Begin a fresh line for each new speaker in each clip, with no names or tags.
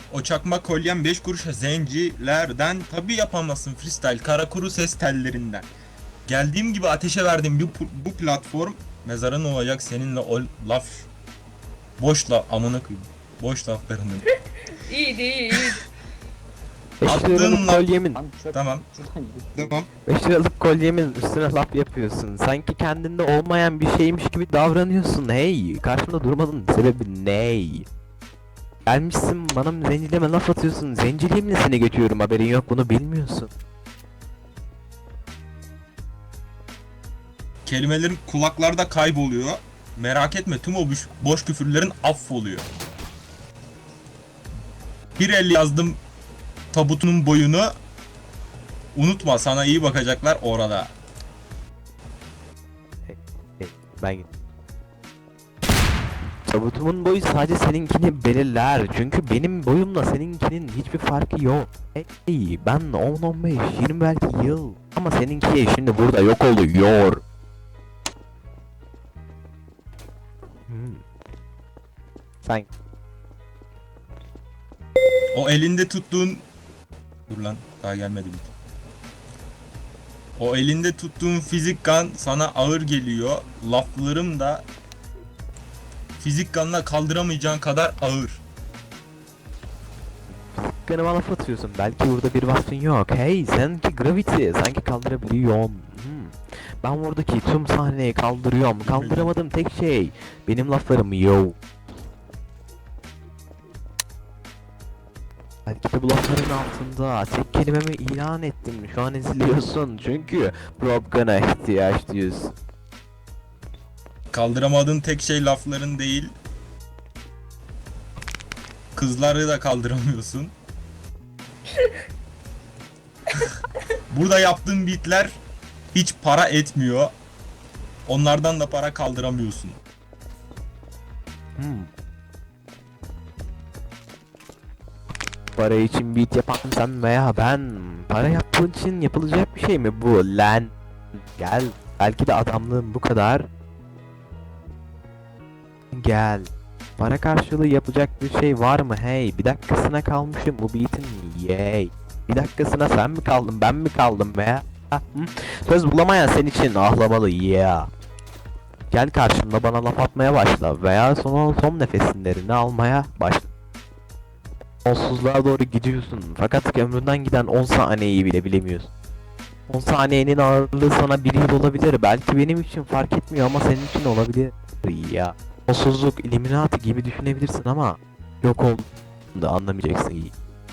O çakma kolyen 5 kuruşa zencilerden tabi yapamazsın freestyle kara kuru ses tellerinden. Geldiğim gibi ateşe verdim bu platform mezarın olacak seninle o laf boş laf amına koyayım. Boş laflarının.
İyiydi iyi.
5
Attığın
liralık
laf-
kolyemin,
Tamam. Tamam.
5 liralık kolyemin üstüne laf yapıyorsun. Sanki kendinde olmayan bir şeymiş gibi davranıyorsun. Hey, karşımda durmanın sebebi ne? Gelmişsin bana zenciliğime laf atıyorsun. Zenciliğimle seni geçiyorum, haberin yok, bunu bilmiyorsun.
Kelimelerin kulaklarda kayboluyor. Merak etme tüm o boş küfürlerin affoluyor. Bir el yazdım tabutunun boyunu. Unutma sana iyi bakacaklar orada.
Hey, ben tabutumun boyu sadece seninkini belirler. Çünkü benim boyumla seninkinin hiçbir farkı yok. Hey, ben 10, 15, 20 belki yıl. Ama seninki şimdi burada yok oluyor. Sen
O elinde tuttuğun... Dur lan daha gelmedi bir. O elinde tuttuğun fizik gun sana ağır geliyor. Laflarım da fizik gun'la kaldıramayacağın kadar ağır.
kanıma laf atıyorsun. Belki burada bir vasfın yok. Hey, sanki gravity, sanki kaldırabiliyorsun. Ben buradaki tüm sahneyi kaldırıyorum. Kaldıramadığım tek şey benim laflarım yo. Belki de bu lafların altında tek kelimemi ilan ettim. Şu an eziliyorsun çünkü Propgun'a ihtiyaç duyuyorsun.
Kaldıramadığın tek şey lafların değil. Kızları da kaldıramıyorsun. Burada yaptığın beatler hiç para etmiyor. Onlardan da para kaldıramıyorsun.
Para için beat yapan sen veya ben. Para yaptığın için yapılacak bir şey mi bu lan? Gel. Belki de adamlığın bu kadar. Gel. Para karşılığı yapacak bir şey var mı? Hey, bir dakikasına kalmışım bu beat'in. Yay. Bir dakikasına sen mi kaldın, ben mi kaldım veya? Söz bulamayan sen için ahlamalı yeah. Gel karşımda bana laf atmaya başla veya son nefesinlerini almaya başla. Sonsuzluğa doğru gidiyorsun fakat ömründen giden 10 saniyeyi bile bilemiyorsun. 10 saniyenin ağırlığı sana bir yıl olabilir, belki benim için fark etmiyor ama senin için olabilir ya. Sonsuzluk, Illuminati gibi düşünebilirsin ama yok olduğunda anlamayacaksın iyi.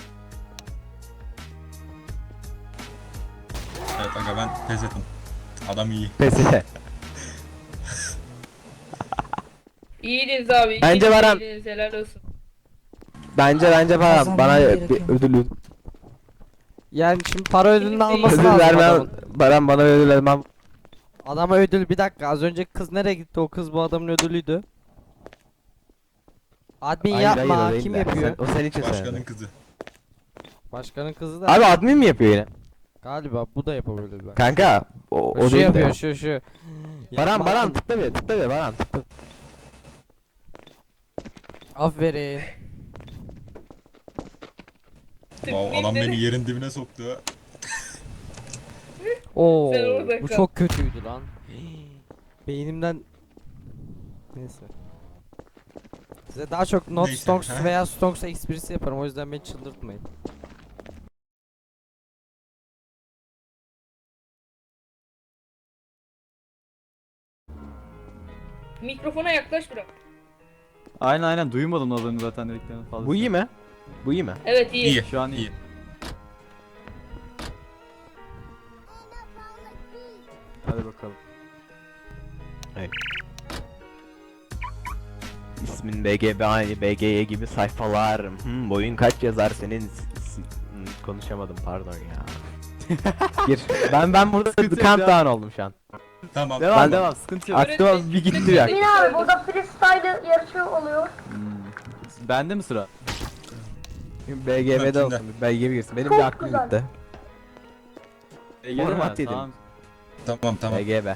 Evet aga ben pes ettim. Adam iyi.
Pes.
İyiydiniz abi.
Bence Baran-
İyiydiniz, helal olsun.
Bence bana
Kazanmam
bir
gerekiyor.
ödül
Yani şimdi para ödülünü alması
ödül
lazım
vermem.
adamın.
Baran bana ödül vermem.
Adama ödül, bir dakika, az önce kız nereye gitti? O kız bu adamın ödülüydü. Admin yapma,
o değil
kim
de.
yapıyor?
O senin için
Başkanın
söyledi.
kızı.
Başkanın kızı da.
Abi admin mi yapıyor yine?
Galiba bu da yapabilir ben.
Kanka o
Şu
değil
yapıyor,
de.
şu.
Baran tıkla bir Baran tıkla.
Aferin.
Wow, adam beni yerin dibine soktu.
Oo,
Sen orada
bu
kal.
çok kötüydü lan. Beynimden. Neyse. Size daha çok not
Neyse,
stonks
ha?
veya stonks esprisi yaparım, o yüzden beni çıldırtmayın.
Mikrofona yaklaş biraz.
Aynen duymadım adını zaten dediklerini fazla.
Bu iyi mi? Bu iyi mi?
Evet iyi.
İyi.
Şu an iyi.
iyi.
Hadi bakalım.
İsmin BGB aynı BGY gibi sayfalar. Boyun kaç yazar senin? Konuşamadım pardon ya. Gir. Ben burada
Sıkıntı yok,
countdown oldum şu an.
Tamam.
Devam
Ben-
devam sıkıntı yok.
Aklıma bir gitti ya.
Öğretmen-
Emin abi burada freestyle yarışı oluyor.
Bende mi sıra?
BGB'de
Kimde?
olsun. BGB girsin. Benim
Çok
bir aklım
güzel.
gitti.
Ege
Format yedim.
Tamam tamam.
BGB.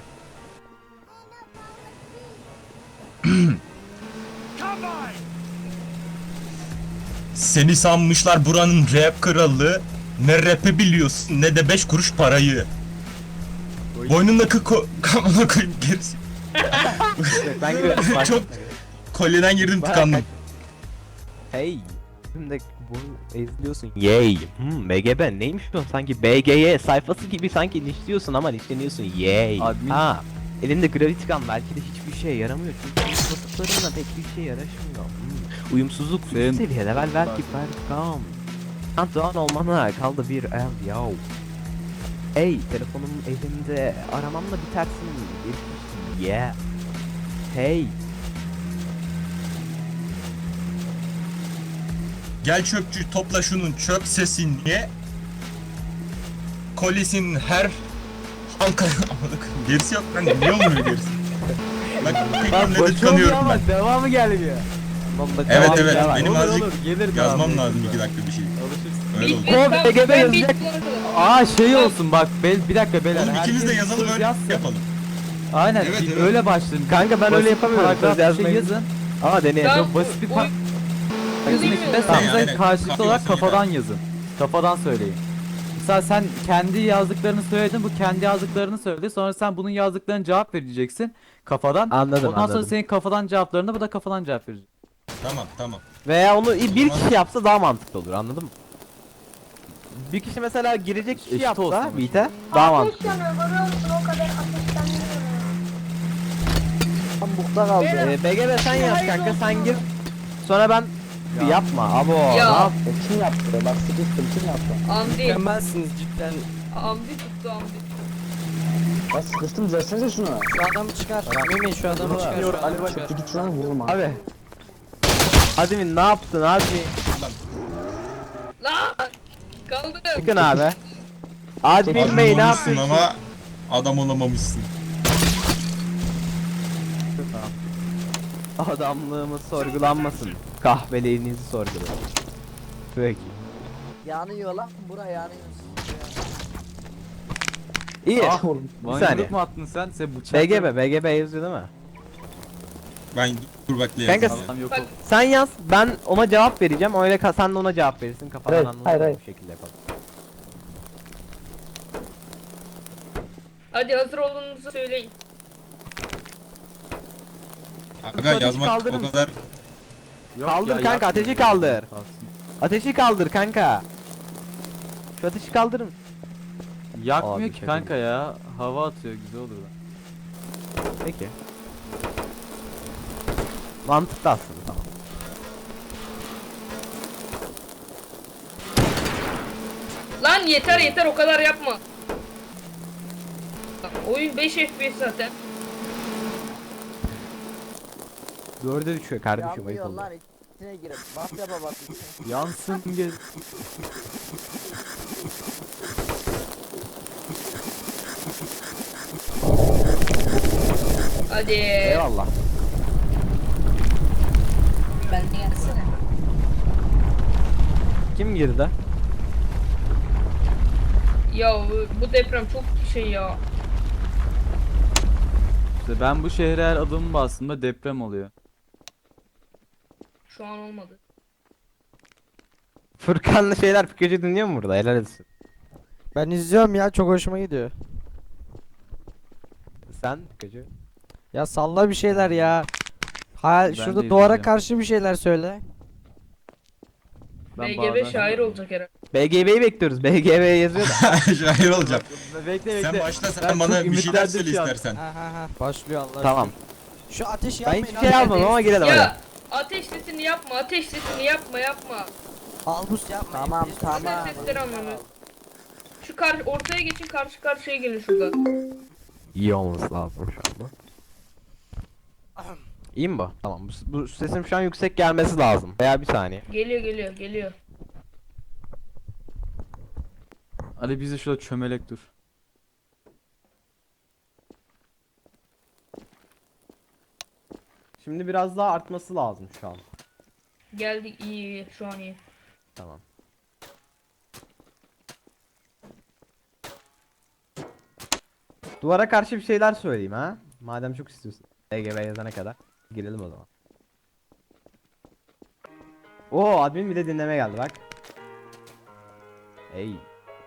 Seni sanmışlar buranın rap kralı. Ne rap'i biliyorsun ne de 5 kuruş parayı. Boynundaki kamına koyayım gerisi.
Ben giriyorum.
Çok kolyeden girdim tıkandım.
Hey. Şimdi bu ezliyorsun. Yay. BGB neymiş bu? Sanki BGY sayfası gibi sanki nişliyorsun ama nişleniyorsun. Yay.
Admin.
Ha. Elinde Gravity Gun belki de hiçbir şeye yaramıyor çünkü basıklarınla pek bir şey yaraşmıyor. Uyumsuzluk üst
Senin-
seviye level belki Berkam. Doğan olmana kaldı bir el yav. Hey telefonum elimde aramamla bitersin. Bir yeah. Hey.
Gel çöpçü topla şunun çöp sesini. Kolisin her halka gerisi yok lan niye olmuyor gerisi? Bak tek cümlede tıkanıyorum ben.
devamı gelmiyor.
Vallahi
Evet
devam
evet
ya.
benim
Olur,
azıcık
olur, gelir
yazmam
devamı.
lazım 2 dakika bir şey.
Alışırsın.
Öyle oldu.
Tamam,
BGB
ben
yazacak.
beat kullanırım.
Aa şey olsun bak bir dakika beyler.
Oğlum ikimiz de
herkes
yazalım
söz
öyle
yazsın.
yapalım.
Aynen
Evet,
bir
evet.
öyle başlayın.
Kanka ben öyle
Basit
yapamıyorum,
paragraf
söz
bir şey
yazmayı.
yazın.
Aa deneyelim.
Tamam,
Çok basit bir
uy-
par-
Yazayım
içinde
mı?
sen
Yani, aynen.
karşılıklı
Kapı
olarak
yazın
kafadan yazın. Kafadan söyleyin. Mesela sen kendi yazdıklarını söyledin, bu kendi yazdıklarını söyledi. Sonra sen bunun yazdıklarına cevap vereceksin kafadan.
Anladım,
Ondan sonra
anladım.
senin kafadan cevaplarını bu da kafadan cevap verecek.
Tamam.
Veya onu bir kişi yapsa daha mantıklı olur anladın mı? Bir kişi mesela girecek kişi
Eşit olsun
yapsa
ama.
beat'e daha
Ateş
mantıklı.
yanıyor görüyor musun? O kadar ateşleniyor.
BGB sen yaz kanka sen gir. Sonra ben yapma abo.
Ya.
Ne yap?
Kim yaptı? Bak sıkıştım kim yaptı?
Amdi.
Mükemmelsiniz cidden.
Amdi tuttu amdi.
Bak sıkıştım düzelsenize şunu.
Şu adamı çıkar. Mümin şu adamı çıkar. Şu
Ali
adamı
bak
çıkar.
git şuna vururum abi.
Abi. Admin ne yaptın abi?
Lan! Kaldım.
Çıkın abi. Admin
Adam
Bey ne
olmuşsun
yapıyorsun?
ama adam olamamışsın.
Adamlığımız sorgulanmasın. Kahveliğinizi sorgulayın. Peki.
Yanıyor lan bura yanıyor.
İyi.
Ah oğlum.
Bana
saniye.
yumruk mu attın sen? Sen bıçak.
BGB yazıyor değil mi?
Ben dur bekle
Kanka,
yazayım.
Adam yok
Bak.
oldu.
Sen yaz, ben ona cevap vereceğim. Öyle sen de ona cevap verirsin. Kafadan
Evet,
anlamayacak
hayır.
bir şekilde yapalım.
Hadi hazır olduğunuzu söyleyin.
Aga yazmak
kaldırır
o
mısın?
kadar
Yok
Kaldır
ya,
kanka,
yapma.
ateşi kaldır.
Kalsın.
Ateşi kaldır kanka. Şu ateşi kaldırın.
Yakmıyor
Abi,
ki
şaka
kanka ya. Hava atıyor güzel olur da.
Peki. Mantıklı aslında tamam.
Lan yeter o kadar yapma. Oyun 5 FPS zaten.
4'e düşüyor kardeşim ayıp
Yanıyor
oldu.
lan içine girip. Bas yapa bak.
Yansın gel.
Hadi.
Eyvallah.
Ben de gelsene.
Kim girdi?
Ya bu deprem çok şey ya.
İşte ben bu şehre her adımımı bastığımda deprem oluyor.
Şu an olmadı.
Furkan'la şeyler Pikachu dinliyor mu burada? Helal olsun.
Ben izliyorum ya çok hoşuma gidiyor.
Sen Pikachu.
Ya salla bir şeyler ya.
Ben
Şurada
de
duvara
izleyeceğim.
karşı bir şeyler söyle.
Ben
BGB
bağırdan-
şair olacak herhalde.
BGB'yi bekliyoruz. BGB yazıyor da.
şair olacağım.
Bekle
Sen başla sen
Ben
bana
çok
bir şeyler
ümitlendim
söyle
şu an.
istersen.
Ha. Başlıyor Allah
Tamam.
aşkına. Şu ateşi
Ben
yapmayın.
hiçbir şey yazmadım ama girelim hadi.
Ya ateş sesini yapma, ateş sesini yapma.
Albus yapma.
Tamam tamam.
Ateş sesleri anlamıyor. Şu ortaya geçin, karşı karşıya gelin şurada.
İyi olması lazım şu anda. İyi mi bu? Tamam. Bu sesim şu an yüksek gelmesi lazım. Veya bir saniye.
Geliyor.
Ali bizi şurada çömelek dur.
Şimdi biraz daha artması lazım şu an.
Geldik iyi, şu an iyi.
Tamam. Duvara karşı bir şeyler söyleyeyim ha. Madem çok istiyorsun. EGB yazana kadar. Girelim o zaman. Oo admin bir de dinleme geldi bak. Ey.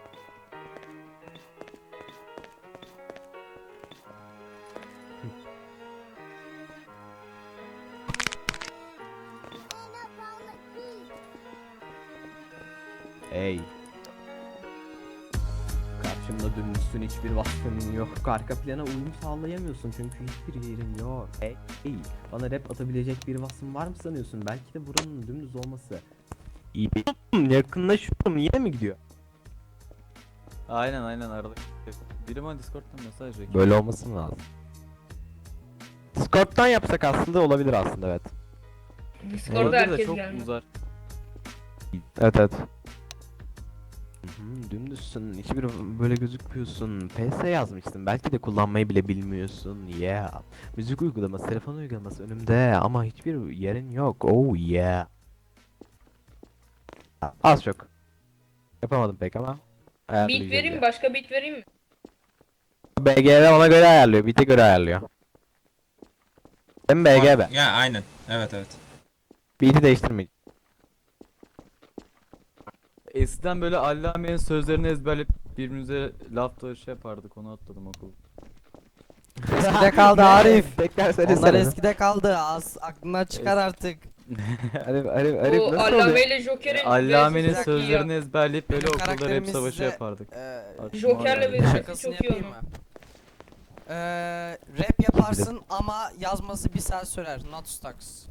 Ey. Karşımda dönmüşsün, hiçbir vasfın yok. Arka plana uyum sağlayamıyorsun çünkü hiçbir yerin yok. Ey. Bana rap atabilecek bir vasfın var mı sanıyorsun? Belki de buranın dümdüz olması. İyi bir yakınlaşıyorum, yine mi gidiyor?
Aynen arada. Biri bana Discord'dan mesaj veriyor.
Böyle olması mı lazım? Discord'dan yapsak aslında olabilir aslında, evet.
Discord'da
Olabilir de
herkes
çok
gelmiyor.
uzar.
Evet. Dümdüzsün, hiçbir böyle gözükmüyorsun. PS yazmışsın, belki de kullanmayı bile bilmiyorsun. Yeah. Müzik uygulaması, telefon uygulaması önümde ama hiçbir yerin yok. Oh yeah. Az çok. Yapamadım pek ama.
Beat
ayarlayacağız
vereyim mi?
ya.
Başka beat vereyim mi?
BGB ona göre ayarlıyor, beat'e göre ayarlıyor. Hem BGB.
Ya aynen. Evet.
Beat'i değiştirmeyin.
Eskiden böyle Allame'nin sözlerini ezberleyip birbirimize laf da şey yapardık, onu atladım okul.
Eskide kaldı Arif.
Tekrar
Onlar
söylesene.
eskide kaldı. Az aklından çıkar artık.
Arif
Bu
nasıl
Allame
oluyor?
ile Joker'in
Allame'nin
vezesi çok iyi ya.
sözlerini ezberleyip böyle
Benim
okulda rap
karakterimiz
savaşı
size,
yapardık.
Joker'le
Aklıma
ve
geldi.
şakasını
çok iyi
yapayım
onun.
mı? Rap yaparsın ama yazması bir saat sürer. Not stocks.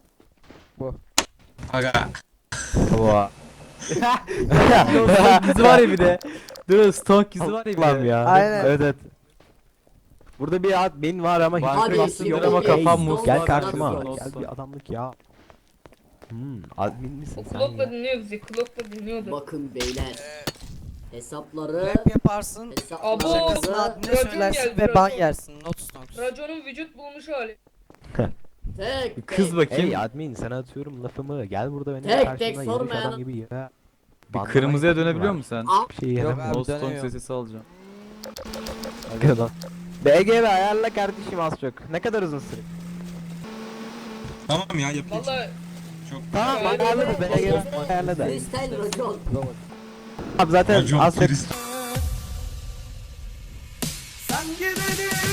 Aga.
Oha.
Stonk yüzü var ya bir de. Dur Stonk yüzü var ya bir
Allah'ım
de.
ya.
Aynen.
Evet. Burada bir admin var ama
Banka
hiçbir
bastın
yok.
ama
Ey,
kafam muz
gel
var,
karşıma.
nasıl
Gel
olsun?
bir adamlık ya. Admin misin
O
sen
Klok'la
ya?
dinliyor bizi. Klok'la dinliyordu.
Bakın beyler. Hesapları
Rap yaparsın.
Abo,
Şakasını admine
racon
söylersin
geldi,
ve ban
racon.
yersin. Not stocks.
Racon'un vücut bulmuş hali.
tek
Kız
tek.
bakayım.
Ey admin sana atıyorum lafımı. Gel burada benim
Tek tek
karşımda yürüyüş
sormayan-
adam gibi ya.
Bir kırmızıya dönebiliyor musun sen?
Al.
Bir şey
Yok
yaramıyor.
abi,
No Stonk
dönemiyor.
sesi alacağım.
Lan. BGB ayarla kardeşim az çok. Ne kadar uzun süre?
Tamam ya yapayım.
Valla
Çok
Tamam
Evet,
ayarla
evet,
da BGB ayarla da.
Freestyle racon.
Abi zaten
Racon
az çok
Chris.
Sen gideni